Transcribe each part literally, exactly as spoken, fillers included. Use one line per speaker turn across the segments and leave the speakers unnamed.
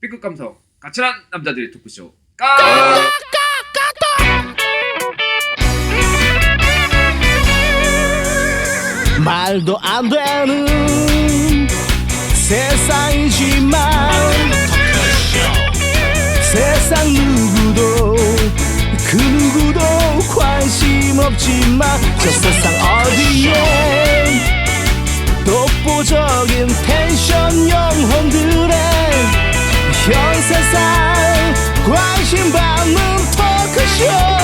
B급 감성 까칠한 남자들의 토크쇼 까
말도 안 되는 세상이지만 세상 누구도 그 누구도 관심 없지만 저 세상 어디에 독보적인 텐션 영혼들의 현 세상 관심 받는 토크쇼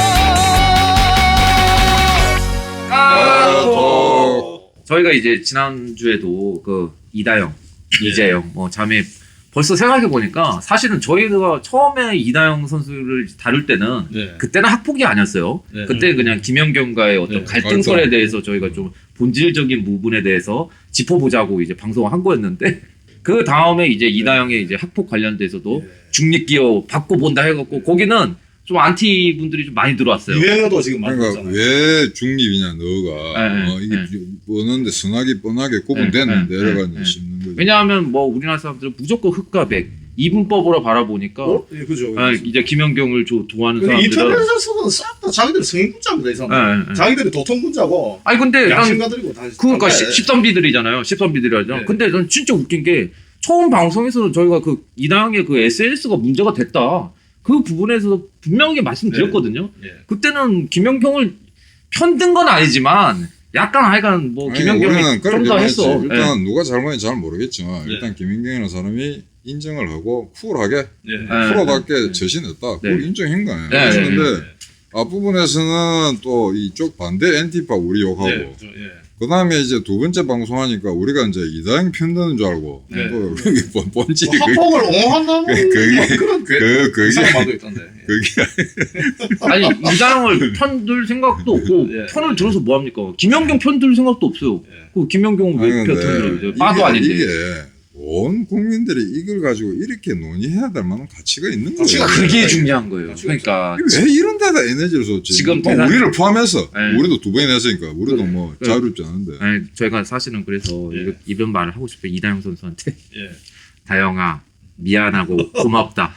까토. 저희가 이제 지난주에도 그 이다영, 네. 이재영 뭐 자매 벌써 생각해 보니까 사실은 저희가 처음에 이다영 선수를 다룰 때는
네.
그때는 학폭이 아니었어요. 네. 그때 그냥 김연경과의 어떤 네. 갈등설에 대해서 저희가 좀 본질적인 부분에 대해서 짚어보자고 이제 방송을 한 거였는데 그 다음에 이제 이다영의 이제 학폭 관련돼서도 네. 중립기업 받고 본다 해갖고 거기는 좀 안티 분들이 좀 많이 들어왔어요.
유행어도 지금 많이
그러니까
나잖아요.
왜 중립이냐 너가
네,
어, 이게
네.
뻔한데 선하게 뻔하게 구분됐는데
네, 네,
이래가지고
네.
씹는 거죠.
왜냐하면 뭐 우리나라 사람들은 무조건 흑과 백 이분법으로 바라보니까
어? 예, 그죠.
아, 이제 김연경을 조, 좋아하는
근데
사람들은
인터넷에서는 싹 다 자기들 성인군자입니다, 이 사람.
네, 네.
자기들이 도통군자고.
아니 근데 난
양심가들이고 다.
그러니까
다-
십- 십선비들이잖아요. 십선비들이죠.
네.
근데 난 진짜 웃긴 게 처음 방송에서는 저희가 그 이다영의 그 에스엔에스가 문제가 됐다. 그 부분에서 분명히 말씀드렸거든요.
네.
그때는 김연경을 편든 건 아니지만 약간 하여간 뭐
아니,
김연경이
우리는 그렇게
좀 더
봤지.
했어.
일단
네.
누가 잘못인지 잘 모르겠지만
네.
일단 김인경이라는 사람이 인정을 하고 쿨하게
네.
네.
프로답게
네.
처신했다.
네.
그걸 인정한 거예요.
네, 네,
그런데
네.
앞부분에서는 또 이쪽 반대 엔티파 우리 욕하고
네, 그죠, 예.
그 다음에 이제 두 번째 방송하니까 우리가 이제 이다영 편드는 줄 알고
네.
또 그게 본- 본지
뭐 학폭을 옹호한다는
그- 그게-
뭐 그런 괴-
그 그게
이상한 말도 있던데. 예.
그게
아니 이다영을 편들 생각도 없고
예.
편을 들어서 뭐 합니까? 김연경 편들 생각도 없어요.
예.
그 김연경은 왜
아니,
편
근데
들어요? 빠도
이게-
아닌데.
이게 온 국민들이 이걸 가지고 이렇게 논의해야 될 만한 가치가 있는 거예요.
가치가
그게 중요한 거예요.
그렇죠.
그러니까
왜 이런 데다 에너지를 쏟지?
지금
뭐
대단-
우리를 포함해서
네.
우리도 두 번이나 했으니까 우리도
그래.
뭐
그래.
자유롭지 않은데
아니, 저희가 사실은 그래서
예.
이거- 이런 말을 하고 싶어요. 이다영 선수한테.
예.
다영아 미안하고 고맙다.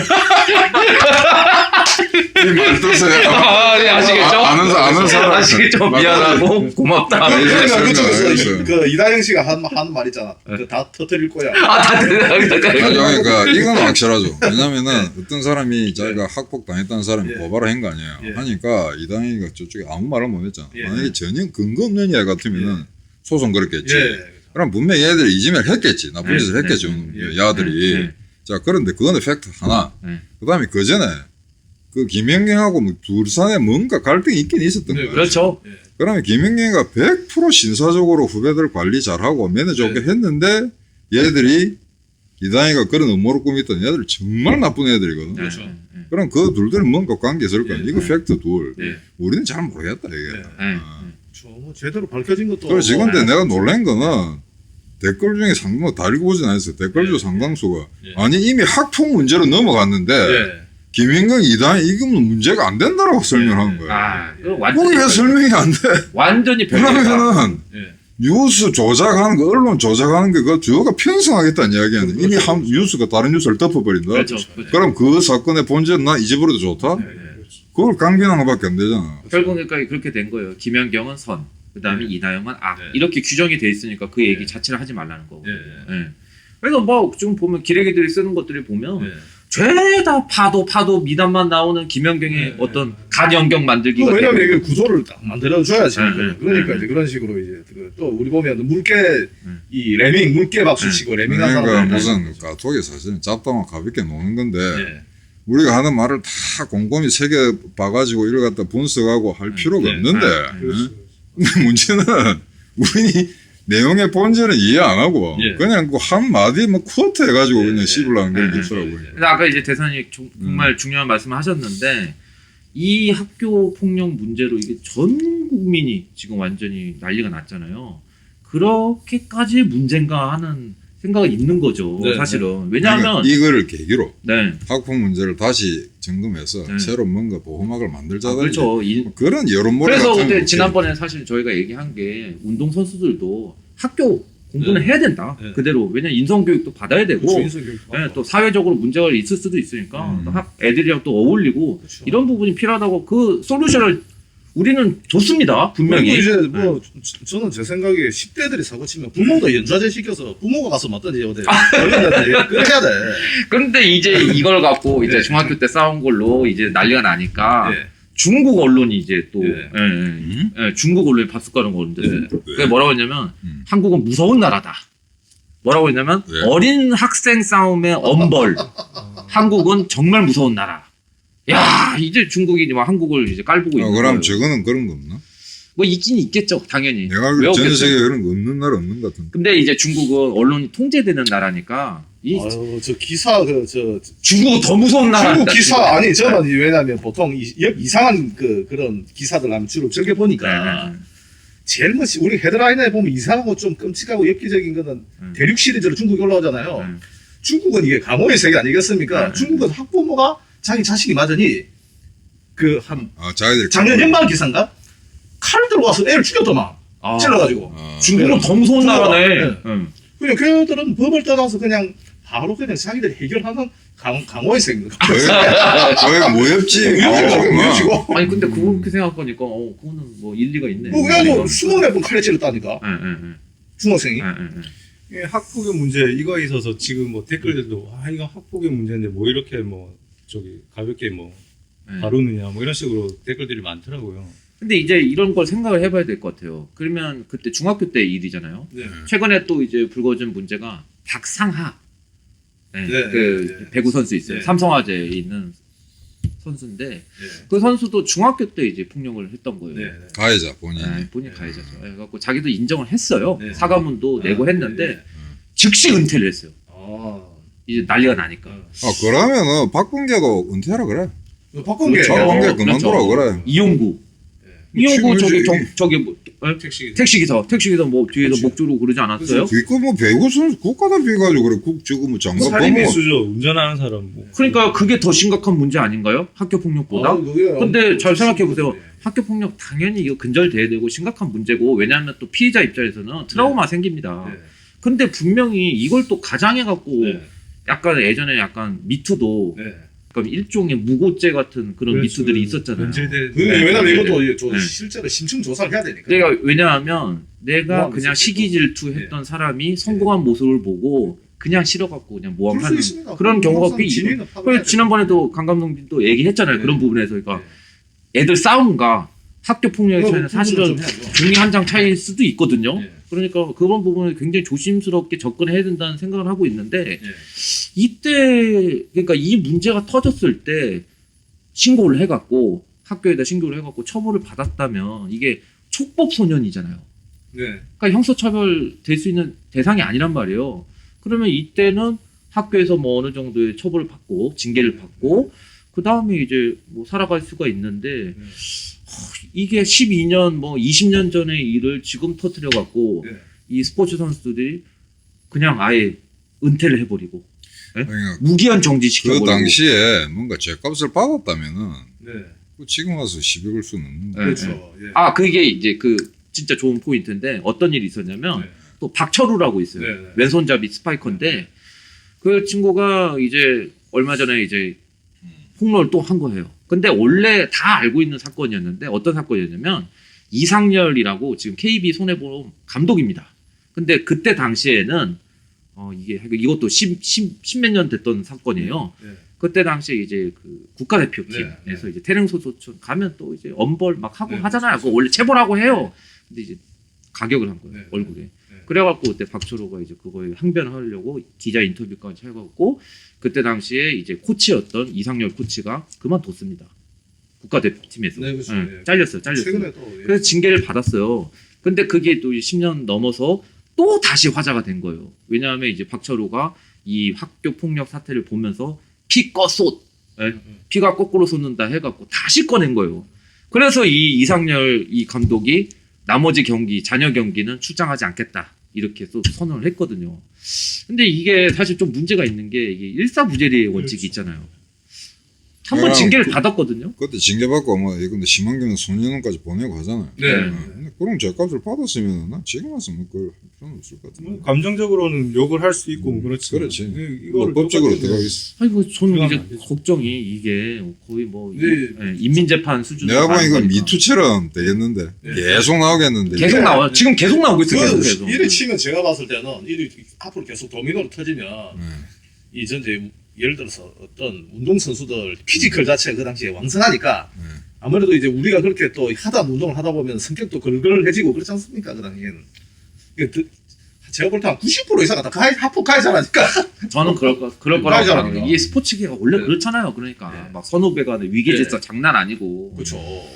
말도세요.
아, 네, 아시겠죠?
아, 아는 사- 아는 사람
아시겠죠? 미안하고 고맙다.
네,
그러니까
설명,
그쪽에서
알겠어요.
그 이다영 씨가 한, 하는 말 있잖아. 그 다 터뜨릴 거야.
아, 다들
아니, 그러니까 이건 확실하죠. 왜냐면은
네.
어떤 사람이 자기가 학폭 당했다는 사람이
예.
고발을 한 거 아니에요.
예.
하니까 이다영이가 저쪽에 아무 말을 못 했잖아.
예.
만약에 전혀 근거 없는 이야 같으면은 소송 걸었겠지.
예.
그럼 분명히 얘들이 이지매를 했겠지. 나쁜
네,
짓을
네,
했겠지.
예.
야들이.
네, 네.
자, 그런데 그거는 팩트 하나.
네.
그 다음에 그 전에 그 김연경하고 뭐 둘산에 뭔가 갈등이 있긴 있었던
네,
거야.
그렇죠.
예.
그러면 김연경이가 백 퍼센트 신사적으로 후배들 관리 잘하고 매너 좋게
네.
했는데 얘들이 이다영이가 그런 음모를 꾸미던 얘들 정말 나쁜 애들이거든.
네,
그렇죠.
네, 네.
그럼 그 둘들은 뭔가 관계 있을 거야.
예.
이거 팩트 둘.
네.
우리는 잘 모르겠다 이게.
네.
네.
어.
저, 뭐 제대로 밝혀진 것도.
그래서
뭐-
근데 내가 놀란 거는 댓글 중에 상당 다 읽어보진 않았어요. 댓글 중
예.
상당수가
예.
아니 이미 학폭 문제로 넘어갔는데
예.
김연경 이다영 이거는 문제가 안 된다라고 설명한 거예요.
아, 이거
그게
완전히
왜 설명이 안 돼?
완전히 별개다.
그러면은
예.
뉴스 조작하는 거, 언론 조작하는 게 그 주어가 편성하겠다는 이야기하는 이미
그렇죠.
한 뉴스가 다른 뉴스를 덮어버린다.
그렇죠. 그렇죠.
그럼 그 사건의 본질은 나 잊어버려도 좋다?
예. 예.
그걸 강변한 것밖에 안 되잖아.
결국에니까 그렇게 된 거예요. 김연경은 선, 그다음에
네.
이다영은 악.
네.
이렇게 규정이 돼 있으니까 그 얘기
네.
자체를 하지 말라는 거고.
예. 예.
예. 그래서 뭐 좀 보면 기레기들이 쓰는 것들을 보면
예.
죄다 파도 파도 미담만 나오는 김연경의
네.
어떤 간연경 만들기가
그 왜냐면
되고.
이게 구조를 딱 만들어줘야지.
네, 네.
그러니까
네.
이제 그런 식으로 이제 그또 우리 보면 물개 이 레밍 물개 박수 치고 레밍한
그러니까
사람
무슨 까톡이 사실은 잡다만 가볍게 노는 건데
예.
우리가 하는 말을 다 곰곰이 새겨 봐가지고 이걸 갖다 분석하고 할 필요가
네.
없는데
네.
그렇죠.
근데 문제는 우리 내용의 본질은 이해 안 하고
예.
그냥 그 한 마디 뭐 쿼트 해가지고
예.
그냥 씹으려는
예.
게
예.
있더라고요.
그래서 아까 이제 대선이 조- 정말 중요한 말씀을 하셨는데 이 학교 폭력 문제로 이게 전 국민이 지금 완전히 난리가 났잖아요. 그렇게까지 문제인가 하는 생각이 있는 거죠.
네,
사실은. 왜냐하면
그러니까 이거를 계기로
네.
학폭 문제를 다시 점검해서
네.
새로 뭔가 보호막을 만들자든지
아, 그렇죠. 이-
그런 여론몰이
그래서
같은
그때
거
지난번에 사실 저희가 얘기한 게 운동 선수들도 학교 공부는
네.
해야 된다.
네.
그대로. 왜냐면 인성교육도 받아야 되고
주인성 교육
예, 또 사회적으로 문제가 있을 수도 있으니까
음.
또 학, 애들이랑 또 어울리고
그렇죠.
이런 부분이 필요하다고 그 솔루션을 우리는 좋습니다.
그리고
분명히.
이제 뭐 저- 저는 제 생각에 십 대들이 사고 치면 부모도 연좌제 시켜서 부모가 가서 맞든지 어디 어른한테 그래야 돼.
그런데 이제 이걸 갖고 이제
네.
중학교 때 싸운 걸로 이제 난리가 나니까
예.
중국 언론이 이제 또
예.
예, 예.
음?
예, 중국 언론이 밥숟가락 거는데
예.
그게 뭐라고 했냐면
음.
한국은 무서운 나라다. 뭐라고 했냐면
왜?
어린 학생 싸움의 엄벌. 한국은 정말 무서운 나라. 야 이제 중국이 뭐 한국을 이제 깔보고
아,
있는
그럼
거예요.
저거는 그런 거 없나?
뭐 있긴 있겠죠, 당연히.
내가
왜
알기로 전
없겠어요?
세계에 그런 거 없는 나라 없는 것 같은데.
근데 이제 중국은 언론이 통제되는 나라니까 이
아유 저 기사 그저
중국은 더 무서운 나라.
중국 기사 아니 저는 왜냐면 보통 이, 이상한 그 그런 기사들 하면 주로 즐겨 보니까
네.
제일 뭐 우리 헤드라인에 보면 이상하고 좀 끔찍하고 엽기적인 거는
음.
대륙 시리즈로 중국이 올라오잖아요.
네.
중국은 이게 감옥의 세계 아니겠습니까?
네.
중국은 학부모가 자기 자식이 맞으니 그 한
아, 자기들
작년 연말 기사인가 칼 들고 와서 애를 죽였더만
아,
찔러가지고
아,
중국은 더 무서운
중국은,
나라네.
네.
응.
그냥 걔들은 법을 떠나서 그냥 바로 그냥 자기들이 해결하는 강, 강호의 세계입니다.
거의 모였지.
무협지고
아니 근데 그렇게 생각하니까 어 그거는 뭐 일리가 있네.
뭐 그래가지고 스무 몇 번 칼에 찔렀다니까
예예예.
중학생이.
예,
예, 학폭의 문제 이거에 있어서 지금 뭐 댓글들도 아 이거 학폭의 문제인데 뭐 이렇게 뭐 저기 가볍게 뭐
예.
다루느냐 뭐 이런 식으로 댓글들이 많더라고요.
근데 이제 이런 걸 생각을 해봐야 될 것 같아요. 그러면 그때 중학교 때 일이잖아요.
네.
최근에 또 이제 불거진 문제가 박상하. 네,
네,
그
네.
배구 선수 있어요.
네.
삼성화재에 있는 선수인데
네.
그 선수도 중학교 때 이제 폭력을 했던 거예요.
네.
가해자 본인이.
네, 본인 가해자죠. 그래갖고 자기도 인정을 했어요.
네.
사과문도 내고 했는데
네.
즉시 은퇴를 했어요.
아.
이제 난리가 나니까.
아, 그러면은 박범계도 은퇴하라 그래.
박범계.
그렇죠.
박범계
어,
그만두라 그래.
이용구.
네.
이용구 저기
지금
저,
이제
저기 뭐, 어?
택시
택시기사 택시기사 뭐 뒤에서
그치.
목 조르고 그러지 않았어요?
뒷거 뭐 배구 선수 국가대표 해가지고 그래. 국 저거 뭐 장관
살인미
법무.
수죠. 운전하는 사람 뭐.
그러니까 그게 더 심각한 문제 아닌가요? 학교 폭력보다.
아, 그게
근데 잘 생각해 보세요.
네.
학교 폭력 당연히 이거 근절돼야 되고 심각한 문제고 왜냐하면 또 피해자 입장에서는 트라우마 생깁니다.
네.
근데 분명히 이걸 또 가장해 갖고
네.
약간 예전에 약간 미투도
네.
그러니까 일종의 무고죄 같은 그런
그렇죠.
미투들이 있었잖아요.
변질된.
그 왜냐면
네.
이것도 저
네.
실제로 심층 조사를 해야 되니까.
내가 왜냐하면 내가
모함
그냥
있었겠고.
시기 질투했던 사람이 성공한 모습을 보고 그냥 싫어갖고 그냥
그럴 수
모함하는
있습니다.
그런 경우가 꽤
진위는
있어요.
파악해야
그래서
돼요.
지난번에도 강 감독님도 얘기했잖아요.
네.
그런 부분에서 그러니까
네.
애들 싸움과 학교 폭력의
그거
차이는
구분을
사실은
좀 해야죠.
종이 한 장 차이일 수도 있거든요.
네.
그러니까 그런 부분을 굉장히 조심스럽게 접근해야 된다는 생각을 하고 있는데
네.
이때 그러니까 이 문제가 터졌을 때 신고를 해갖고 학교에다 신고를 해갖고 처벌을 받았다면 이게 촉법 소년이잖아요.
네.
그러니까 형사처벌 될 수 있는 대상이 아니란 말이에요. 그러면 이때는 학교에서 뭐 어느 정도의 처벌을 받고 징계를 받고 그 다음에 이제 뭐 살아갈 수가 있는데
네.
이게 십이 년 뭐 이십 년 전의 일을 지금 터뜨려 갖고
네.
이 스포츠 선수들이 그냥 아예 은퇴를 해버리고
그러니까
무기한
그
정지시켜버리고
당시에 뭔가 죄값을 받았다면은
네.
그 지금 와서 시비 걸 수는 없는
네.
거야.
그렇죠. 예.
아 그게 이제 그 진짜 좋은 포인트인데 어떤 일이 있었냐면
네.
또 박철우라고 있어요.
네, 네.
왼손잡이 스파이커인데 그 친구가 이제 얼마 전에 이제 폭로를 또 한 거예요. 근데 원래 다 알고 있는 사건이었는데 어떤 사건이었냐면 이상열이라고 지금 케이비 손해보험 감독입니다. 근데 그때 당시에는 어 이게 이것도 십몇 년 됐던 사건이에요.
네.
그때 당시에 이제 그 국가대표팀에서
네, 네.
이제 태릉소소촌 가면 또 이제 엄벌 막 하고
네,
하잖아요.
그렇죠.
그거 원래 체벌하고 해요. 근데 이제 가격을 한 거예요.
네,
얼굴에.
네.
그래갖고 그때 박철호가 이제 그거에 항변하려고 기자 인터뷰까지 해갖고 그때 당시에 이제 코치였던 이상열 코치가 그만뒀습니다. 국가대표팀에서.
네, 그렇죠.
예,
예.
잘렸어요. 잘렸어요.
최근에 또 예.
그래서 징계를 받았어요. 근데 그게 또 십 년 넘어서 또 다시 화제가 된 거예요. 왜냐하면 이제 박철호가 이 학교 폭력 사태를 보면서 피 꺼쏟 예? 피가 거꾸로 솟는다 해갖고 다시 꺼낸 거예요. 그래서 이 이상열 이 감독이 나머지 경기 잔여 경기는 출장하지 않겠다 이렇게 또 선언을 했거든요. 근데 이게 사실 좀 문제가 있는 게 이게 일사부재리의 원칙이
그렇죠.
있잖아요. 한 번
아,
징계를
그-
받았거든요.
그때 징계받고 뭐 이건데 심한 경우는 소년원까지 보내고 하잖아요.
네.
어, 근데 그런 죄값을 받았으면 난 지금 와서 뭐 그걸 할 필요는 없을 것 같은데.
뭐 감정적으로는 욕을 할 수 있고 뭐 그렇지.
그렇지.
이-
뭐
이거를
법적으로
똑같이
들어가겠어.
아니 뭐 저는
그건
이제
안 되죠.
걱정이 이게 거의 뭐
네.
이- 예, 인민재판 수준.
내가 보니 이건 미투처럼 되겠는데
네.
계속 나오겠는데.
계속
이게.
나와. 지금 계속 나오고 있어. 계속
그
계속.
이래 치면 제가 봤을 때는 일이 앞으로 계속 도미노로 터지면
네.
이 전제 예를 들어서 어떤 운동 선수들 피지컬 자체가 그 당시에 왕성하니까
네.
아무래도 이제 우리가 그렇게 또 하다 운동을 하다 보면 성격도 걸걸해지고 그렇지 않습니까 그 당시에는. 그 드- 제가 볼 때 한 구십 퍼센트 이상은 다 가해, 하폭 가해자라니까.
저는 그럴 거 그럴 거라고
가해자라니까.
생각해요. 이게 스포츠계가 원래
네.
그렇잖아요. 그러니까
네.
막 선후배 간의 위계 질서 장난 아니고.
그렇죠.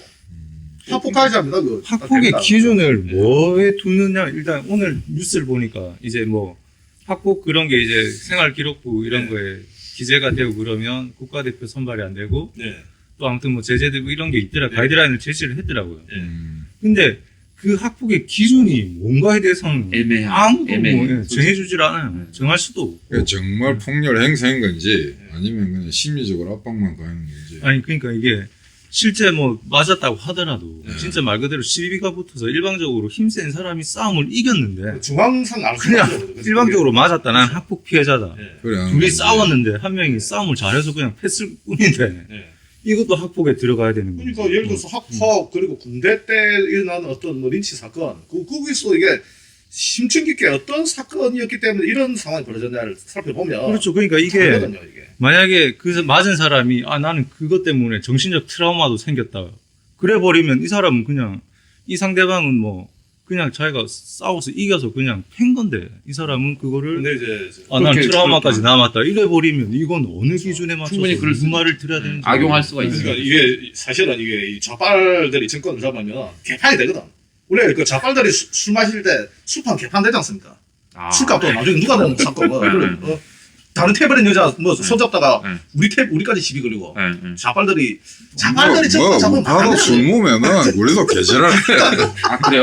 하폭 가해자입니다. 그
학폭의
됩니다.
기준을
네.
뭐에 두느냐 일단 오늘 뉴스를 보니까 이제 뭐 학폭 그런 게 이제 생활기록부 이런
네.
거에 기재가 되고 그러면 국가대표 선발이 안 되고
네.
또 아무튼 뭐 제재되고 이런 게 있더라
네.
가이드라인을 제시를 했더라고요.
네.
음.
근데 그 학폭의 기준이 뭔가에 대해서는
애매한-
아무도
애매해.
뭐 예, 정해주질 않아요. 정할 수도 없고.
그러니까 정말 폭력 행사인 건지 아니면 그냥 심리적으로 압박만 가하는 건지.
아니 그러니까 이게 실제 뭐 맞았다고 하더라도
네.
진짜 말 그대로 시비가 붙어서 일방적으로 힘센 사람이 싸움을 이겼는데
중앙상 알
그냥 일방적으로 맞았다. 난 학폭 피해자다.
네.
그래. 하는
둘이
건지.
싸웠는데 한 명이 싸움을 잘해서 그냥 패을 뿐인데
네.
이것도 학폭에 들어가야 되는 거죠.
그러니까 예를 들어서 학폭 그리고 군대 때 일어나는 어떤 뭐 린치 사건 그 거기서 이게 심층 깊게 어떤 사건이었기 때문에 이런 상황이 벌어졌냐를 살펴보면
그렇죠. 그러니까 이게
다르거든요, 이게.
만약에 그 맞은 사람이 아 나는 그것 때문에 정신적 트라우마도 생겼다. 그래 버리면 이 사람은 그냥 이 상대방은 뭐 그냥 자기가 싸워서 이겨서 그냥 팬 건데 이 사람은 그거를
근데 이제
아, 난
그렇게-
트라우마까지
그렇게-
남았다. 이래 버리면 이건 어느 기준에 맞춰서
충분히 그럴
무슨
수-
말을 들어야 되는지
악용할 수가
그러니까
있어요.
이게 사실은 이게 이 좌빨들이 정권을 잡으면 개판이 되거든. 원래 그 좌빨들이 수- 술 마실 때 술판 개판 되지 않습니까?
아.
술값도 나중에 누가 내는 사건 뭐
네, 네.
어, 다른 태블릿 여자 뭐 손잡다가
네.
우리 태 우리까지 시비 걸리고
예, 예.
좌빨들이 좌빨들이
뭐,
정권
뭐,
잡으면
바로
안
술
되지.
먹으면은 우리도 개지랄 해.
아 그래요?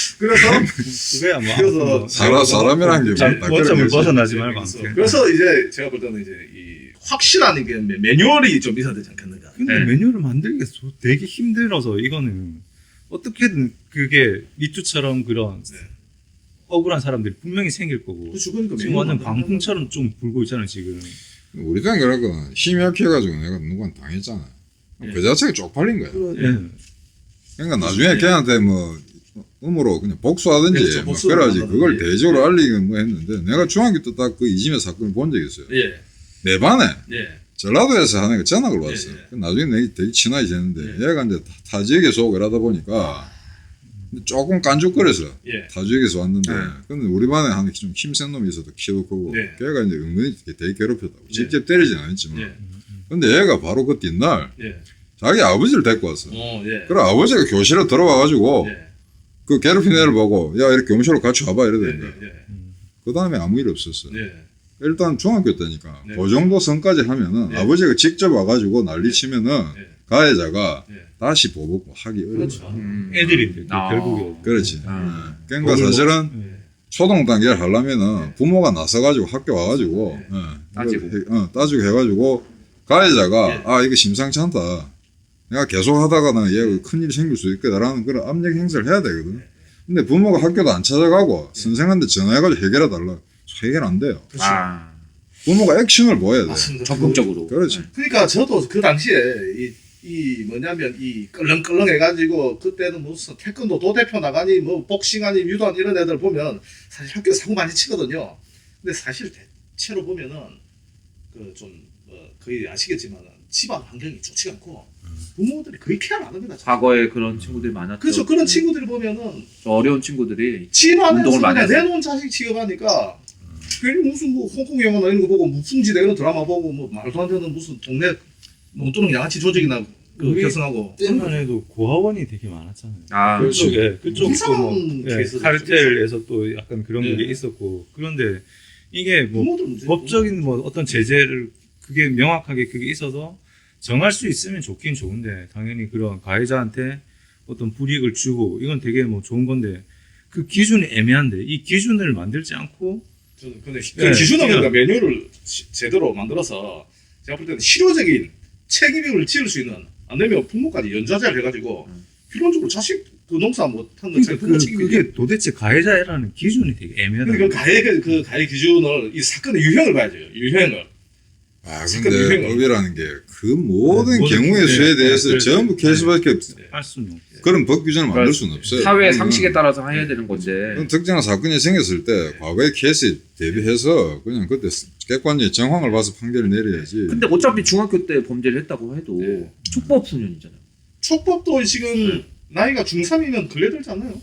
그래서
그거야 뭐
그래서
아무튼 뭐
사람, 사람이란 게
잘
다
원점을
그런 거지.
벗어나지
네,
말고
그래서,
아무튼.
그래서 이제 제가 볼 때는 이제 이 확실한 이게 매- 매뉴얼이 좀 있어야 되지 않겠는가.
근데
네.
메뉴를 만들기가 소- 되게 힘들어서 이거는 어떻게든 그게 미투처럼 그런
네.
억울한 사람들이 분명히 생길 거고
그렇죠. 그러니까
지금
매뉴얼
완전
만드는
광풍처럼 좀 불고 있잖아요 지금.
우리 때는 그랬거든. 힘이 약해가지고 내가 누구한테 당했잖아.
예.
그 자체가 쪽팔린 거야.
예.
그러니까 나중에 걔한테 뭐 음으로 그냥 복수하든지
그렇죠,
뭐
복수를
그래야지
한다든지.
그걸 대조로 알리긴 뭐 했는데 내가 중학교 때 딱 그 이지매 사건을 본 적이 있어요.
예.
내 반에
예.
전라도에서 하는 그 전학을 왔어.
예, 예.
그 나중에 내가 되게 친하게 지냈는데
예.
얘가 이제 타, 타 지역에서 오고 이러다 보니까 조금 깐죽거려서
예.
타 지역에서 왔는데
네.
근데 우리 반에 한 좀 힘센 놈이 있어도 키도 크고
네.
걔가 이제 은근히 되게 괴롭혔다고.
네.
직접 때리진 않았지만
예.
근데 얘가 바로 그 뒷날
예.
자기 아버지를 데리고 왔어.
어, 예.
그래 아버지가 교실에 들어와가지고
예.
그 괴롭힌 애를 보고 야 이렇게 교무실로 같이 와봐
예.
이러던데
예.
그 다음에 아무 일 없었어.
예.
일단 중학교 때니까
네.
그 정도 선까지 하면은
네.
아버지가 직접 와가지고 난리 치면은
예.
가해자가
예.
다시 보복 하기 어려워.
그렇죠.
음.
애들인데
아.
결국에.
그렇지.
아.
예. 그러니까
법을
사실은
예.
초등 단계를 하려면은 부모가 나서가지고 학교 와가지고
네.
예.
따지고.
이거 해- 어, 따지고 해가지고 가해자가
네.
아 이거 심상치 않다. 내가 계속 하다가는 얘가 큰일이 생길 수 있겠다라는 그런 압력 행사를 해야 되거든. 근데 부모가 학교도 안 찾아가고 선생한테 전화해가지고 해결해 달라. 해결 안 돼요.
그렇죠.
아
부모가 액션을 보여야 돼.
맞습니다.
적극적으로.
그렇지.
그러니까 저도 그 당시에 이, 이 뭐냐면 이 끌렁끌렁 해가지고 그때는 무슨 태권도 도대표 나가니 뭐 복싱하니 유도하니 이런 애들 보면 사실 학교 사고 많이 치거든요. 근데 사실 대체로 보면은 그 좀 뭐 거의 아시겠지만 집안 환경이 좋지 않고 부모들이 거의 케어를 안 합니다.
과거에 그런 친구들이 많았죠.
그렇죠. 그런 친구들이 보면은
저 어려운 친구들이
집안에서
운동을 많이
그냥
하세요.
내놓은 자식 취급하니까 괜히 무슨 뭐 홍콩 영화나 이런 거 보고 무풍지대 이런 드라마 보고 뭐 말도 안 되는 무슨 동네 논두렁 양아치 조직이나 그
그게
결성하고
때만 해도 고아원이 되게 많았잖아요.
아
그쪽, 예, 그쪽
이상한
뭐, 예,
케이스도
카르텔에서 또 약간 그런
예.
게 있었고 그런데 이게 뭐
부모들 문제
법적인 뭐 어떤 제재를 그게 명확하게 그게 있어서 정할 수 있으면 좋긴 좋은데 당연히 그런 가해자한테 어떤 불이익을 주고 이건 되게 뭐 좋은 건데 그 기준이 애매한데 이 기준을 만들지 않고
저는 근데
예,
그 기준은
그냥-
그러니까 메뉴를 시- 제대로 만들어서 제가 볼 때는 실효적인 책임을 지을 수 있는 안 되면 부모까지 연좌제를 해가지고 필론적으로 자식 그 농사 못한 건
그러니까
자기 부모
그,
책임이지.
그게 도대체 가해자라는 기준이 되게 애매하다.
근데 그 가해 그, 그 가해 기준을 이 사건의 유형을 봐야죠. 유형을.
아
사건
근데
유형을.
법이라는 게 그 모든
네, 모든
경우의
네,
수에 대해서
네, 네,
전부
네,
케이스밖에 없어.
할 수는 없어요.
그런 법 규정을 만들 수는 없어요.
사회
그거는-
상식에 따라서 해야 되는 건데.
그건 특정한 사건이 생겼을 때 과거의 케이스에 대비해서 그냥 그때 객관적인 정황을 봐서 판결을 내려야지.
근데 어차피 중학교 때 범죄를 했다고 해도
네.
촉법 소년이잖아요.
촉법도 지금 나이가 중삼이면 걸려들잖아요.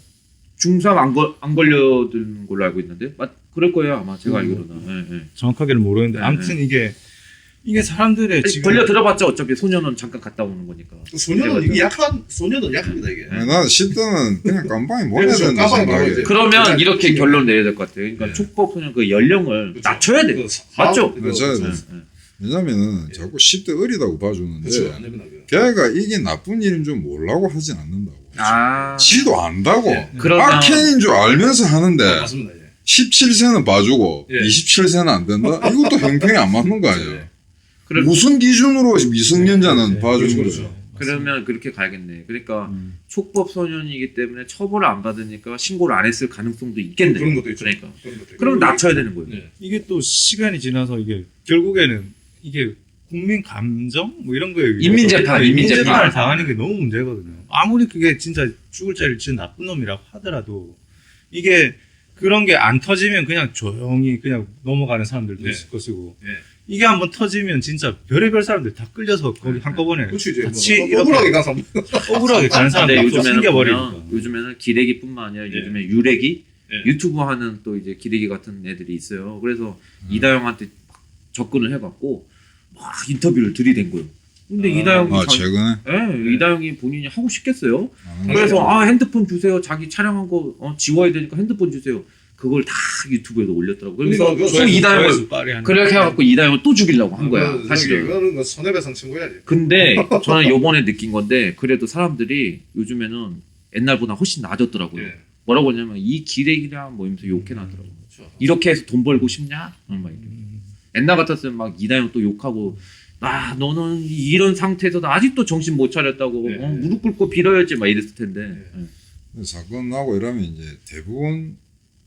중삼 안, 걸, 안 걸려든 걸로 알고 있는데 맞 그럴 거예요 아마 제가
음.
알기로는. 예, 예.
정확하게는 모르는데
네,
아무튼 이게 이게 사람들의
아니,
지금
걸려 들어봤자 어차피 소년은 잠깐 갔다 오는 거니까.
그 소년은 이게 약한 소년은 약합니다 이게.
아니, 나는 십 대는 그냥 깜빵에 보내야
그렇죠.
된다
깜빵에
생각해.
보내야
그러면
그냥
이렇게
지금-
결론 내야 될 것 같아요. 그러니까
네.
촉법 소년 그 연령을
그렇죠.
낮춰야 돼.
그
맞죠?
그-
맞아요.
예,
그렇죠.
예.
왜냐면은 자꾸 십 대 어리다고 봐주는데
그렇죠. 안 됩니다. 그거.
걔가 이게 나쁜 일인 줄 모르고 하진 않는다고.
아.
지도 안다고.
예.
그러면
악행인 줄 알면서 하는데
아, 맞습니다. 예.
십칠 세는 봐주고
예.
이십칠 세는 안 된다? 이것도 형평이 안 맞는 거 아니야.
예.
그럼
무슨 기준으로 미성년자는
네,
봐주는
그렇죠,
거죠.
그러면 그렇게 가야겠네. 그러니까
음.
촉법 소년이기 때문에 처벌을 안 받으니까 신고를 안 했을 가능성도 있겠네.
그런 것도 있죠.
그러니까.
그런 것도 있고.
그럼 낮춰야 되는 거예요.
네.
이게 또 시간이 지나서 이게 결국에는 이게 국민 감정 뭐 이런 거에 의해서
인민재판,
네,
인민재판.
인민재판을 당하는 게 너무 문제거든요. 아무리 그게 진짜 죽을 자를 지은 나쁜 놈이라고 하더라도 이게 그런 게 안 터지면 그냥 조용히 그냥 넘어가는 사람들도
네.
있을 것이고
네.
이게 한번 터지면 진짜 별의별 사람들 다 끌려서 거기 한꺼번에
그렇죠 이제
같이
뭐,
이렇게
억울하게 가서
억울하게 가는
근데
사람들 다
요즘에는
생겨버리니까.
보면 요즘에는 기레기뿐만 아니라
예.
요즘에 유레기
예.
유튜브 하는 또 이제 기레기 같은 애들이 있어요. 그래서
음.
이다영한테 막 접근을 해갖고 막 인터뷰를 들이댄 거예요. 근데
아,
이다영이
아,
자기-
최근에?
예, 이다영이 본인이 하고 싶겠어요.
아,
그래서 아 핸드폰 주세요. 자기 촬영한 거 어, 지워야 되니까 핸드폰 주세요. 그걸 다 유튜브에도 올렸더라고. 그래서
그러니까
또
그거
이다영을
조회수 빠르게 하는
그렇게 해갖고 이다영을 또 죽이려고 한 거야.
그,
사실은.
저기, 그거는 그 손해배상 청구해야지.
근데 저는 요번에 느낀 건데 그래도 사람들이 요즘에는 옛날보다 훨씬 나아졌더라고요.
예.
뭐라고 하냐면 이 기레기냐 뭐 이러면서 욕해놨더라고요.
그렇죠.
이렇게 해서 돈 벌고 싶냐? 음, 막 이래.
음.
옛날 같았으면 막 이다영 또 욕하고 아 너는 이런 상태에서도 아직도 정신 못 차렸다고
네.
어, 무릎 꿇고 빌어야지 막 이랬을 텐데
네.
예.
사건 나고 이러면 이제 대부분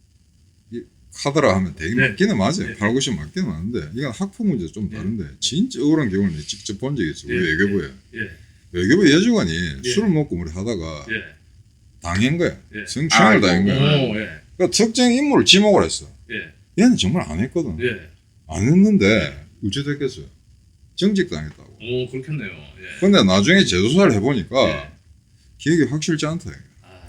이 카드라 하면 되게
네.
맞기는 맞아요.
네.
팔, 구십 맞기는 맞는데 이건 학폭 문제 좀
네.
다른데 진짜 억울한 경우는 내가 직접 본 적이 있어. 우리
네.
외교부에.
예.
외교부 여직원이
네.
술을 먹고 우리 하다가
예.
당한 거야.
예.
성추행을
아이고.
당한 거야.
오, 예.
그러니까 특정 인물을 지목을 했어.
예.
얘는 정말 안 했거든.
예.
안 했는데 어찌 됐겠어요. 정직당했다고.
오, 그렇겠네요. 예.
근데 나중에 재조사를 해보니까
예.
기억이 확실치 않다. 이거.
아,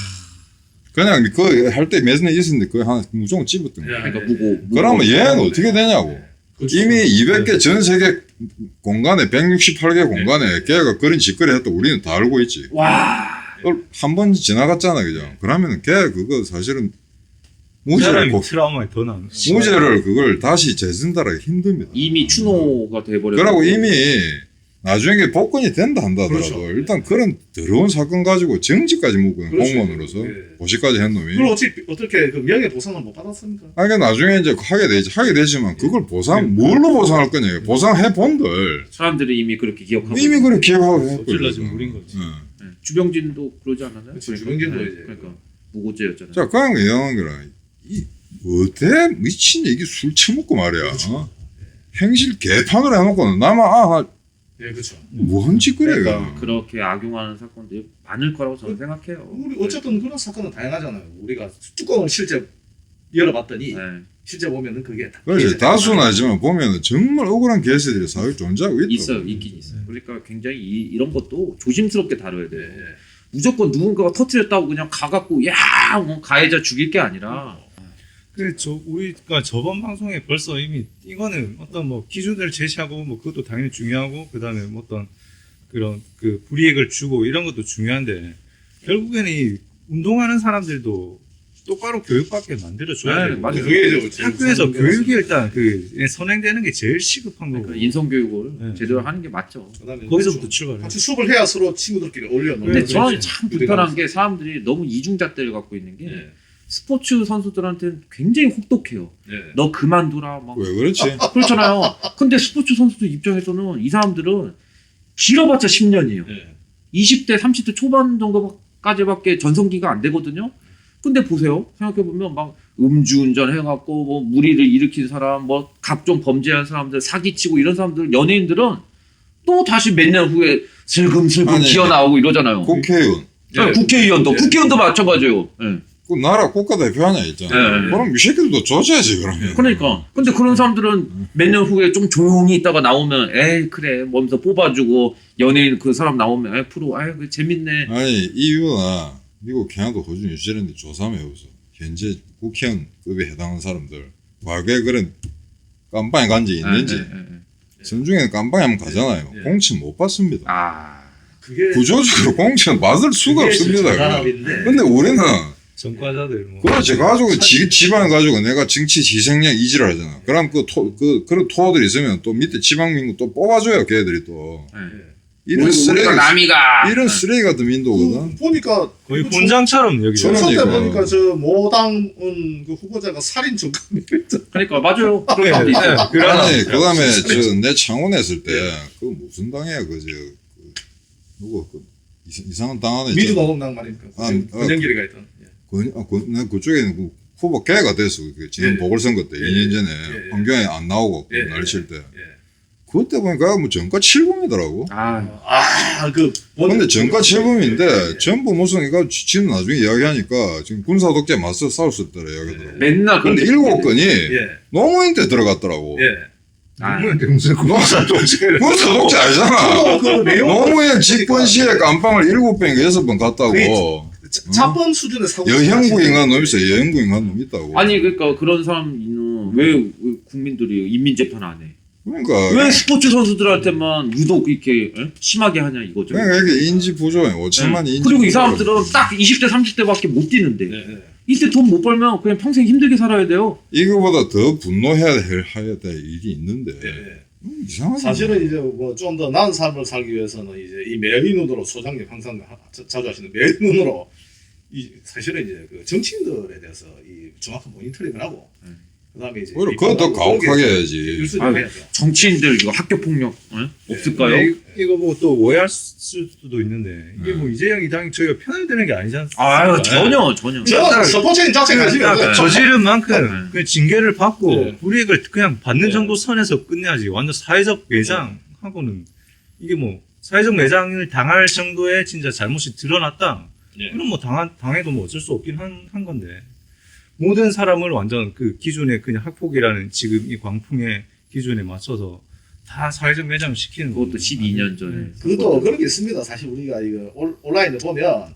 그냥 그 할 때 매진에 있었는데 그거 하나 무조건 집었던 거야.
예.
그러니까 무고, 무고
그러면 얘는 어떻게 되냐고.
그렇죠.
이미 이백 개 전 세계 공간에 백육십팔 개
네.
공간에 걔가 그런 짓거리 했다 우리는 다 알고 있지.
와
한 번 지나갔잖아, 그죠? 그러면 걔 그거 사실은
그
무죄를
사람이
고,
트라우마에 더 나는
무죄를 그걸 다시 재진달하기 힘듭니다.
이미 추노가 돼버려.
그러고 이미 나중에 복권이 된다 한다 하더라도
그렇죠.
일단 그런 더러운 사건 가지고 정직까지 묻고
그렇죠.
공무원으로서
예.
고시까지 한 놈이.
그걸 어떻게 어떻게 그 명예 보상을 못 받았습니까?
아, 그러니까 나중에 이제 하게 되지. 하게 되지만 그걸
예.
보상, 뭘로 보상할 거냐. 보상해 본들.
사람들이 이미 그렇게 기억하고
이미 그렇게 기억하고 했고.
엎질러진 물인 거지.
예. 주병진도 그러지 않았나요?
그치, 주병진도
예,
이제.
그러니까 무고죄였잖아요.
자, 그냥 이상한 거라. 이, 어때? 미친 얘기 술 처먹고 말이야.
그렇죠.
어? 행실 개판으로 해놓고는 나만, 아,
예, 그렇죠.
뭔 짓거리야,
그러니까
이거.
그렇게 악용하는 사건들이 많을 거라고 저는 생각해요.
우리 어쨌든 그런 사건은 다양하잖아요. 우리가 뚜껑을 실제 열어봤더니
네.
실제 보면은 그게 다
그렇지.
피해자가
다수는 아니지만 보면은 정말 억울한 개새들이 사회에 존재하고 있다.
있어요, 있긴 있어요. 그러니까 굉장히 이, 이런 것도 조심스럽게 다뤄야
예,
돼요.
예.
무조건 누군가가 터트렸다고 그냥 가갖고 야, 뭐 가해자 죽일 게 아니라
그 저 우리가 저번 방송에 벌써 이미 이거는 어떤 뭐 기준을 제시하고 뭐 그것도 당연히 중요하고 그다음에 뭐 어떤 그런 그 불이익을 주고 이런 것도 중요한데 결국에는 이 운동하는 사람들도 똑바로 교육받게 만들어줘야
네,
되고
맞아요.
그게 이제 제일
학교에서
중요한
교육이 일단 그 선행되는 게 제일 시급한 거고
그러니까 인성교육을
네.
제대로 하는 게 맞죠.
그다음에
거기서부터 출발해.
같이 수업을 해야 서로 친구들끼리 올려놓는.
근데
그렇지.
저는 참 불편한
우리가
게 사람들이 너무 이중잣대를 갖고 있는 게
예,
스포츠 선수들한테는 굉장히 혹독해요.
예.
너 그만두라 막
왜 그렇지?
그렇잖아요. 근데 스포츠 선수들 입장에서는 이 사람들은 길어봤자 십 년이에요.
예.
이십 대, 삼십 대 초반 정도까지밖에 전성기가 안 되거든요. 근데 보세요. 생각해보면 막 음주운전 해갖고 뭐 무리를 일으킨 사람, 뭐 각종 범죄한 사람들, 사기치고 이런 사람들, 연예인들은 또 다시 몇 년 후에 슬금슬금
아니,
기어 나오고 이러잖아요.
국회의원.
네, 국회의원도,
예.
국회의원도 마찬가지예요. 예.
그 나라 국가대표 하냐 있잖아.
네.
그럼 이 새끼들도 조져야지 그러면.
그러니까. 근데 그런 사람들은 몇 년 후에 좀 조용히 있다가 나오면, 에이, 그래. 뭐면서 뽑아주고, 연예인 그 사람 나오면, 에이, 프로, 아이, 그 재밌네.
아니 이유나 미국, 캐나다, 호주, 뉴질랜드 조사하면 해보세요. 현재 국회의원급에 해당하는 사람들 과거에 그런 깜빵에 간 적 있는지
예, 예, 예.
선중에는 깜빵에 한번 가잖아요.
예.
공천 못 받습니다.
아.
그게
구조적으로 공천 받을 수가
그게
없습니다.
정답인데.
근데 우리는
전과자들 뭐.
그렇지 가지고 지, 지방 가지고 내가 정치 희생양 이지를 하잖아. 그럼 그, 토, 그 그런 토어들이 있으면 또 밑에 지방민구 또 뽑아줘요. 걔들이 또
예.
이런
우리,
쓰레기
우리가 남이가.
이런 쓰레기 같은 민도거든.
그 보니까
거의
그
본장처럼 여기.
총선 때
그러니까.
보니까 저 모당은 그 후보자가 살인 전감이었죠.
그러니까, 맞아요.
네,
그런 사람도 있어요.
네,
아니 그다음에 저 내 창원 했을 때 그 무슨 당이야 그저 그, 누구 그 이상- 이상한 당 하나 있잖아.
민주노동당 말입니까?
아, 어.
권영길이가 있던. 예.
그, 아, 그, 난 그쪽에는 그 후보 개가 됐어. 그 지난
예.
보궐선거 때
예.
이 년 전에
예.
환경에 안 나오고 그
예.
날칠 때.
예.
그때 보니까 뭐 정가 칠범이더라고.
아,
아, 그
근데 정가 칠범인데
예.
전부 무슨 이거 지금 나중에 이야기하니까 지금 군사 독재 맞서 싸울 수 있더라 이야기더라고.
맨날 그런
근데
게
일곱 건이
예.
노무현 때 들어갔더라고.
예.
아,
무슨
군사 독재 아니잖아.
저도 그 내용
노무현 집권 시에 깜빵을 일곱 번인가 여섯 번 갔다고.
자- 자본 수준의 사고.
여형구인간 놈 있어. 여형구인간 놈 있다고.
아니, 그러니까 그런 사람은 왜, 왜 국민들이 인민재판 안 해?
그러니까
왜 스포츠 선수들한테만 유독 이렇게 에? 심하게 하냐 이거죠.
그러니까 이게 인지 부조에 오천만이
네.
인지
그리고 이
부조가
사람들은 딱 이십 대, 삼십 대밖에 못 뛰는데
예. 예.
이때 돈 못 벌면 그냥 평생 힘들게 살아야 돼요.
이거보다 더 분노해야 할 해야 될 일이 있는데
예.
음, 이상하게
사실은 이제 뭐 좀 더 나은 삶을 살기 위해서는 이제 이 매의눈으로 소장님 항상 하- 자- 자주 하시는 매의눈으로 이 사실은 이제 그 정치인들에 대해서 이 정확한 모니터링을 하고
음.
그다음에 이제
오히려 그거 더 가혹하게 해야지.
일수를
아,
해야죠.
정치인들 이거 학교 폭력 에? 없을까요?
네, 이- 이거 뭐 또 오해할 수도 있는데 이게 뭐 이재영 이당이 저희가 편을 드는 게 아니지 않습니까?
아유 전혀 전혀.
저 스포츠인 자체 관심이
그러니까
없어요.
저지른 만큼
네.
그 징계를 받고
네.
불이익을 그냥 받는
네.
정도 선에서 끝내야지 완전 사회적 매장하고는 이게 뭐 사회적 매장을 당할 정도의 진짜 잘못이 드러났다.
네.
그럼 뭐 당한, 당해도 뭐 어쩔 수 없긴 한, 한 건데 모든 사람을 완전 그 기준에 그냥 학폭이라는 지금 이 광풍의 기준에 맞춰서 다 사회적 매장을 시키는
그것도
거는
십이 년 전에.
그것도 그런 게 있습니다. 사실 우리가 이거 온- 온라인에 보면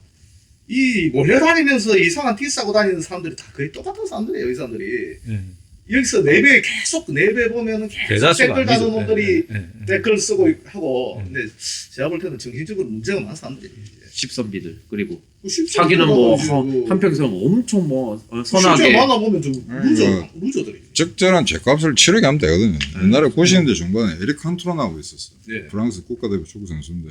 이 몰려다니면서 이상한 티 싸고 다니는 사람들이 다 거의 똑같은 사람들이에요. 이 사람들이
네.
여기서 내배 계속 내배 보면은 계속
대다수가
댓글 다는
아니죠.
놈들이
네, 네, 네.
댓글 쓰고 하고
네.
근데 제가 볼 때는 정신적으로 문제가 많은 사람들이
십선비들 그리고
그 실제
자기는 뭐
그-
한평생 엄청 뭐 어,
실제
선하게
만나보면 좀 루저
음.
루저들이
적절한 죗값을 치르게 하면 되거든요.
네.
옛날에 구십 년대 중반에 에릭 칸토라나고 있었어.
예.
프랑스 국가대표 축구 선수인데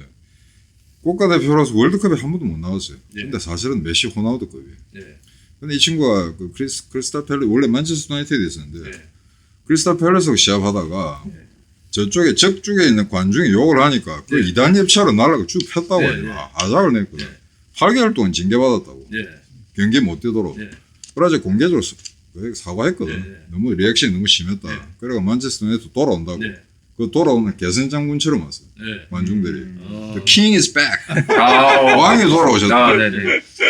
국가대표라서 월드컵에 한 번도 못 나왔어요.
예.
근데 사실은 메시 호나우드급이에요.
예.
근데 이 친구가 그 크리스, 크리스탈 팰레 원래 만체스터 유나이티드에 있었는데
예.
크리스탈 팰레스하고 시합하다가
예.
저쪽에 적쪽에 있는 관중이 욕을 하니까 그
예.
이단 협차로 날라가 쭉 폈다고
예,
해요.
예.
아작을 냈거든.
예.
팔 개월 동안 징계받았다고.
예.
경기 못 뛰도록.
예.
그래서 공개적으로 사- 그 사과했거든.
예, 예.
너무 리액션이 너무 심했다.
예.
그래가 만체스터 유나이티드 돌아온다고.
예.
그 돌아오는 개선 장군처럼 왔어.
예.
관중들이.
어.
The king is back.
아,
왕이 돌아오셨다.
아, 네네.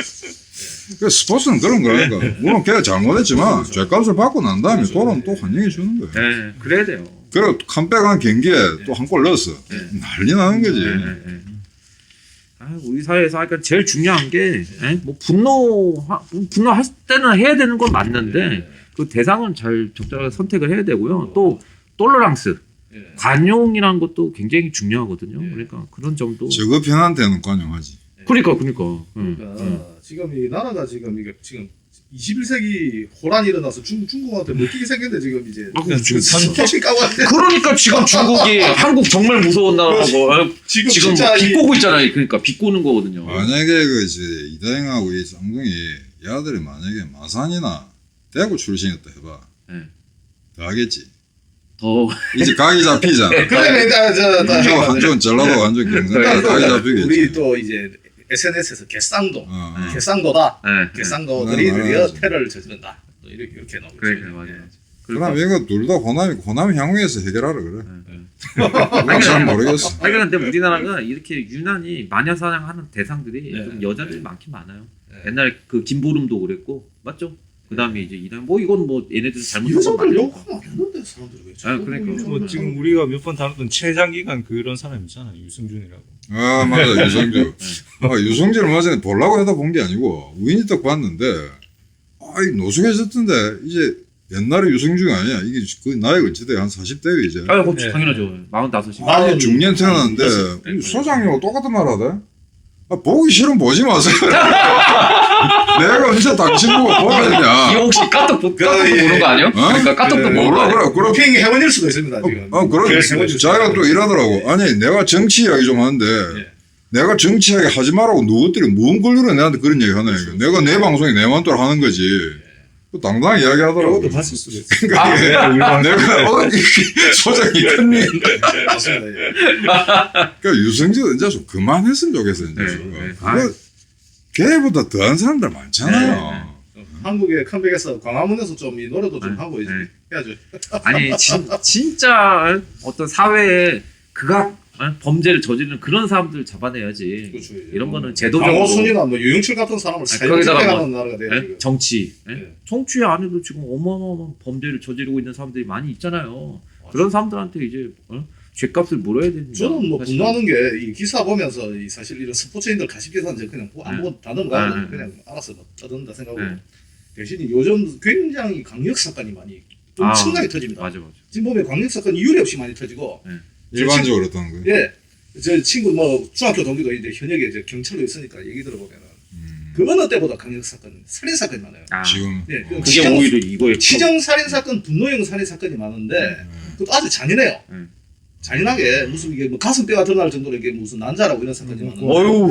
그 스포츠는 그런 거니까. 물론 걔가 잘못했지만 죄값을 받고 난 다음에 돌아오면 또 환영해 주는 거야.
네, 그래야 돼요.
그리고 컴백한 경기에 또 한 골 넣었어. 난리 나는 거지.
네, 네, 네. 아, 우리 사회에서 하니까 제일 중요한 게, 에? 뭐 분노, 분노할 때는 해야 되는 건 맞는데, 그 대상은 잘 적절하게 선택을 해야 되고요. 또, 톨러랑스,
예.
관용이라는 것도 굉장히 중요하거든요.
예.
그러니까 그런 점도.
저거 편한테는 관용하지.
그러니까, 그러니까. 응,
그러니까
응.
지금 이 나라가 지금 이게 지금 이십일 세기 호란이 일어나서 중, 중국한테 먹히게 생겼는데 지금 이제
아, 그 지금
스포츠 까고 왔는데
그러니까 지금 중국이 한국 정말 무서운 나라고 아,
지금,
지금
진짜 이-
비꼬고 있잖아요. 그러니까 비꼬는 거거든요.
만약에 그 이제 이다영하고 이 쌍둥이 얘들이 만약에 마산이나 대구 출신이었다 해봐.
네.
더 하겠지.
더
이제 각이 잡히잖아.
그러면 일단 저, 저,
한쪽 한쪽은 전라도 한쪽 경상
그러니까
각이
또
잡히겠지.
우리 또 이제 에스엔에스에서 개쌍도,
어, 어.
개쌍도다,
네.
개쌍도들이
네,
드디어
맞아요.
테러를 저지른다. 또 이렇게 이렇게 나오고
그래,
있어요.
그래, 맞아요.
그럼 이거 둘 다 호남이 호남 향후에서 해결하라 그래.
네.
난 잘 모르겠어.
아니 근데 우리나라가 이렇게 유난히 마녀 사냥하는 대상들이
네.
좀 여자들이 많긴 많아요.
네.
옛날에 그 김보름도 그랬고 맞죠? 그다음에 이제 이단 뭐 이건 뭐 얘네들 잘못한 건
여자들
맞으니까.
욕하면 안 되는데 사람들이 왜
아, 그러니까.
뭐 지금 우리가 몇 번 다뤘던 최장기간 그런 사람 있잖아 유승준이라고.
아 맞아 유성주. 아 유성주를 맞아 보려고 해다 본 게 아니고 우연히 딱 봤는데 아이 노숙해졌던데 이제 옛날에 유성주가 아니야. 이게 그 나이가 어찌 돼? 한 사십 대요 이제.
아, 그
네.
당연하죠. 마흔다섯이.
아,
아니 중년 태어났는데
네.
소장님하고 똑같은 말 하대. 아, 보기 싫으면 보지 마세요. 내가 언제 당신 보고 보라 했냐.
이거 혹시 까똑 보- 까똑도
그, 예.
보는 거 아니야? 그러니까 까똑도
그,
보는 거
몰라
아니야?
그래. 그럼
비행기 해원일 수도 있습니다 지금.
어, 그런,
그래서 해원일
자기가 또 이러더라고. 아니, 내가 정치 이야기 좀 하는데,
예.
내가 정치 이야기 하지 말라고 누구들이 뭔 권리로 내한테 그런 얘기 하나, 이거. 내가 내 방송에 내 맘대로 하는 거지. 또 당당히 이야기 하더라고.
이것도 봤을 수도 있어.
그러니까
아,
이게 내가, 어, 이게 소장이 큰 일.
네, 맞습니다. 예.
그러니까 유승진 이제 좀 그만했으면 좋겠어, 이제.
네,
좀.
네.
그거 걔보다 더한 사람들 많잖아요.
한국의 컴백에서 광화문에서 좀 이 노래도 좀
네,
하고 이제
네.
해야죠.
아니 진, 진짜 어떤 사회에 극악 어? 범죄를 저지르는 그런 사람들 잡아내야지.
그렇죠.
이런 거는 제도적으로
강호순이나 뭐 유영철 같은 사람을
거기다가
사형집행하는
뭐,
나라가 돼요.
예?
지금.
정치, 예?
네.
정치 안에도 지금 어마어마한 범죄를 저지르고 있는 사람들이 많이 있잖아요. 그런 사람들한테 이제 어? 죗값을 물어야 됩니다.
저는 뭐
사실.
분노하는 게 이 기사 보면서 이 사실 이런 스포츠인들 가십 기사는 제가 그냥 뭐 안
네.
보고 다 넘어가요.
네, 네.
그냥 알아서 뭐 떠든다 생각하고
네.
대신 요즘 굉장히 강력 사건이 많이
아,
엄청나게 터집니다.
맞아 맞아.
지금 보면 강력 사건이 이유리 없이 많이 터지고
일반적으로 그렇다는 거예요.
예. 제 친구 뭐 중학교 동기도 이제 현역에 이제 경찰로 있으니까 얘기 들어보면은
음,
그 어느 때보다 강력 사건, 살인 사건이 많아요.
아,
지금.
예, 그
어.
그게
치정-
오히려 이거에
치정 살인 사건, 분노형 살인 사건이 많은데 그것도 아주 잔인해요.
음.
잔인하게 무슨 이게 뭐 가슴뼈가 드러날 정도로 이게 무슨 난자라고 이런 사건이 많은데
어유.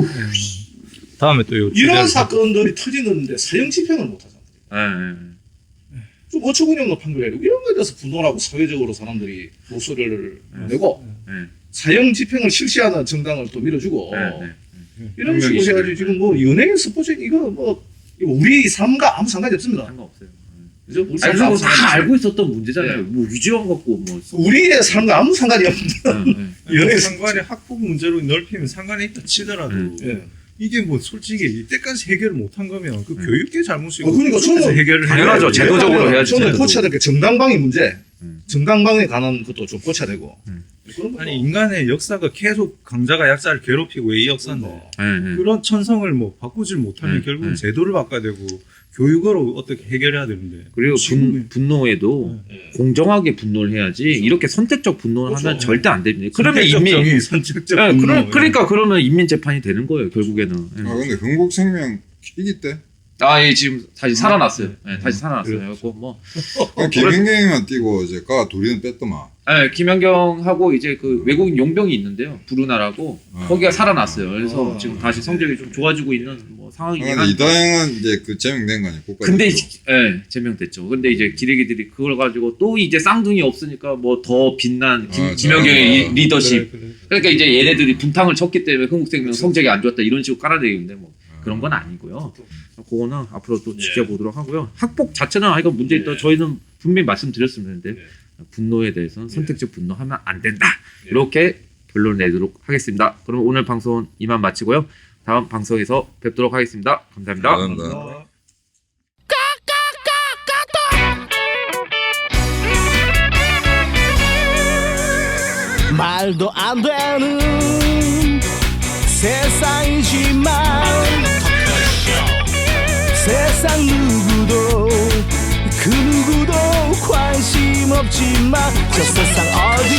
다음에 또 요
이런
주제를
사건들이 터지는데 사형 집행을 못 하잖아요.
예, 예.
좀 어처구니없는 판결이고 이런 거에 대해서 분노하고 사회적으로 사람들이 목소리를 내고
예.
사형 집행을 실시하는 정당을 또 밀어주고
예, 예.
이런 식으로
혁명이시네.
해가지고 지금 뭐 연예인 스포츠 이거 뭐 이거 우리 삶과 아무 상관이 없습니다.
상관없어요.
그죠? 우리
아니
삶과
그리고
아무
다
상관이 없어요.
알고 있었던 문제잖아요.
네.
뭐 위지원 갖고 뭐.
우리의 삶과 아무 상관이 없는
예, 예.
연예인
상관이 학폭 문제로 넓히면 상관이 있다 치더라도
음.
예.
이게 뭐 솔직히 이때까지 해결을 못한 거면 그
음.
교육계 잘못이고
어, 그러니까 저는
그쪽에서 해결을
당연하죠.
해야지.
제도적으로 해야지.
저는
제도적으로.
고쳐야 될 게 정당방위 문제,
음.
정당방위에 관한 것도 좀 고쳐야 되고.
음.
그런 거.
아니 인간의 역사가 계속 강자가 약자를 괴롭히고 이 역사인데
뭐.
예, 예.
그런 천성을 뭐 바꾸질 못하면
음,
결국은
음.
제도를 바꿔야 되고 교육으로 어떻게 해결해야 되는데
그리고
지금-
분, 분노에도
예.
공정하게 분노를 해야지 이렇게 선택적 분노를
그렇죠.
하면 절대 안 됩니다. 그러면
선택적
인민
정의, 선택적
예,
분노.
그러, 그러니까 그러면 인민 재판이 되는 거예요 결국에는. 예.
아, 근데 흥국생명 이기 때?
아, 예, 지금 다시 살아났어요. 예, 다시 살아났어요.
그렇죠.
그래서 뭐,
그냥 김현경이만 뛰고 이제 가 둘이는 뺐더만.
예, 김연경하고 이제 그 외국인 용병이 있는데요. 브루나라고
아.
거기가 살아났어요. 그래서
아.
지금 다시 성적이 좀 좋아지고 있는 뭐
아,
상황이긴
근데
한데.
이다영은 이제 그 제명된 거 아니야? 국가
근데
대표.
이제- 예, 제명됐죠. 근데 이제 기레기들이 그걸 가지고 또 이제 쌍둥이 없으니까 뭐 더 빛난 김,
아,
김연경의
아,
이- 리더십.
그래, 그래.
그러니까 이제 얘네들이 분탕을 쳤기 때문에 흥국생명 성적이 안 좋았다 이런 식으로 깔아내리는데 뭐 그런 건 아니고요. 그거는 앞으로 또
예.
지켜보도록 하고요. 학폭 자체는 아 이거 문제 있다.
예.
저희는 분명히 말씀드렸었는데
예.
분노에 대해서는 선택적 분노하면 안 된다. 이렇게 결론을 내도록 하겠습니다. 그럼 오늘 방송은 이만 마치고요. 다음 방송에서 뵙도록 하겠습니다. 감사합니다.
감사합니다.
어.
말도 안 되는 세상이지만 세상 누구도 그 누구도 관심 없지만 저 세상 어디